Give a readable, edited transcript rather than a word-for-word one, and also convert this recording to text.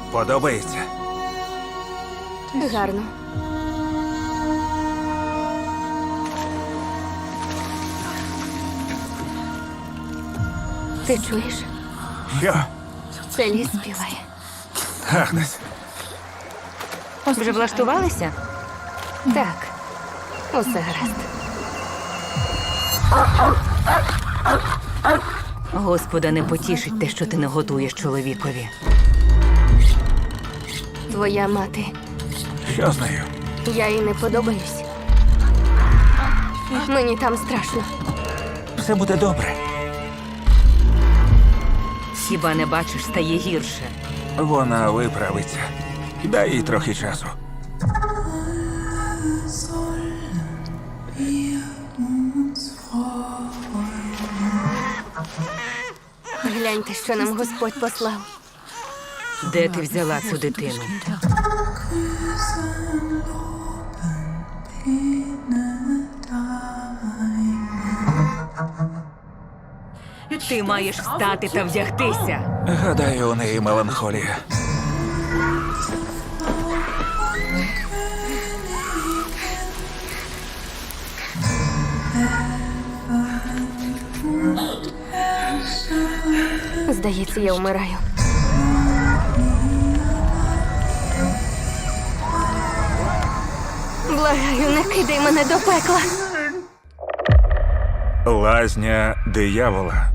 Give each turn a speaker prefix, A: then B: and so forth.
A: Подобається?
B: Гарно. Ти чуєш?
A: Що?
B: Це ліс співає.
A: Агнес,
B: Вже влаштувалися? Так. Усе гаразд.
C: Господа не потішить те, що ти не готуєш чоловікові.
B: Твоя мати.
A: що з нею?
B: Я їй не подобаюсь. Мені там страшно.
A: Все буде добре.
C: Хіба не бачиш, стає гірше.
A: Вона виправиться. Дай їй трохи часу.
B: Гляньте, що нам Господь послав.
C: Де ти взяла цю дитину? Ти маєш встати та вдягтися.
A: Гадаю, у неї меланхолія.
B: Здається, я вмираю. Благаю, не кидай мене до пекла.
A: Лазня диявола.